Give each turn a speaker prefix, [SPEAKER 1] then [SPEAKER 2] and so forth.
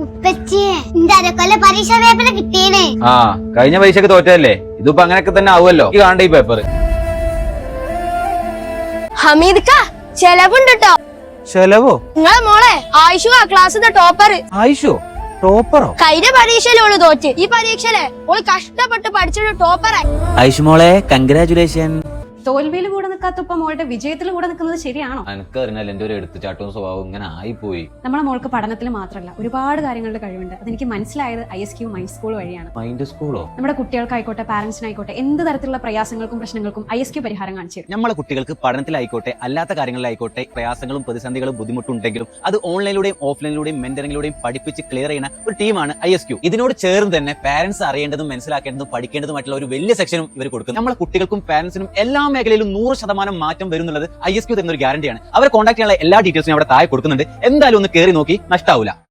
[SPEAKER 1] ഉപ്പച്ചിയെ എന്റെ അരക്കൊല്ല പരീക്ഷ പേപ്പർ കിട്ടിയേനെ.
[SPEAKER 2] ആ കഴിഞ്ഞ പരീക്ഷക്ക് തോറ്റല്ലേ, ഇതിപ്പോ അങ്ങനെയൊക്കെ തന്നെ ആവുമല്ലോ. ഈ കാണണ്ട ഈ പേപ്പർ.
[SPEAKER 3] ഹമീദ്ക്ക ചെലവുണ്ട് ട്ടോ.
[SPEAKER 2] ചെലവോ?
[SPEAKER 3] നിങ്ങളെ മോളെ ആയിഷു ആ ക്ലാസ്സിന്റെ ടോപ്പർ.
[SPEAKER 2] ആയിഷോ? ടോപ്പറോ?
[SPEAKER 3] കഴിഞ്ഞ പരീക്ഷയിലോള് തോറ്റ്, ഈ പരീക്ഷയിലെ ഓള് കഷ്ടപ്പെട്ട് പഠിച്ചൊരു ടോപ്പറായി.
[SPEAKER 4] ആയിഷു മോളെ കൺഗ്രാചുലേഷൻ.
[SPEAKER 5] തോൽവിയിൽ കൂടെ നിൽക്കാത്തപ്പോ മോളുടെ വിജയത്തിൽ കൂടെ നിൽക്കുന്നത് ശരിയാണോ?
[SPEAKER 2] എനിക്ക് അറിഞ്ഞാൽ എന്റെ ഒരു എടുത്തുചാട്ടവും സ്വഭാവം ഇങ്ങനെ ആയിപ്പോയി.
[SPEAKER 5] നമ്മളെ മോൾക്ക് പഠനത്തിൽ മാത്രമല്ല ഒരുപാട് കാര്യങ്ങളുടെ കഴിവുണ്ട്. അതെനിക്ക് മനസ്സിലായത് ISQ മൈൻഡ് സ്കൂൾ വഴിയാണ്.
[SPEAKER 2] മൈൻഡ് സ്കൂളോ?
[SPEAKER 5] നമ്മുടെ കുട്ടികൾക്കായിക്കോട്ടെ പാരന്റ്സിനായിക്കോട്ടെ എന്ത് തരത്തിലുള്ള പ്രയാസങ്ങൾക്കും പ്രശ്നങ്ങൾക്കും ISQ പരിഹാരം കാണിച്ചു തരും.
[SPEAKER 4] നമ്മളെ കുട്ടികൾക്ക് പഠനത്തിലായിക്കോട്ടെ അല്ലാത്ത കാര്യങ്ങളിലായിക്കോട്ടെ പ്രയാസങ്ങളും പ്രതിസന്ധികളും ബുദ്ധിമുട്ടുണ്ടെങ്കിലും അത് ഓൺലൈനിലൂടെയും ഓഫ്ലൈനിലൂടെയും മെന്ററിംഗിലൂടെയും പഠിപ്പിച്ച് ക്ലിയർ ചെയ്യുന്ന ഒരു ടീമാണ് ISQ. ഇതിനോട് ചേർന്ന് തന്നെ പാരന്റ്സ് അറിയേണ്ടതും മനസ്സിലാക്കേണ്ടതും പഠിക്കേണ്ടതുമായിട്ടുള്ള ഒരു വലിയ സെക്ഷനും ഇവർ കൊടുക്കും. നമ്മളെ കുട്ടികൾക്കും പാരന്റ്സിനും എല്ലാ മേഖലയിലും 100% മാറ്റം വരുന്നുള്ളത് ISQ തരുന്ന ഒരു ഗ്യാരണ്ടിയാണ്. അവരെ കോൺടാക്ട് ചെയ്യാനുള്ള എല്ലാ ഡീറ്റെയിൽസും അവിടെ താഴെ കൊടുക്കുന്നുണ്ട്. എന്തായാലും ഒന്ന് കയറി നോക്കി, നഷ്ടാവില്ല.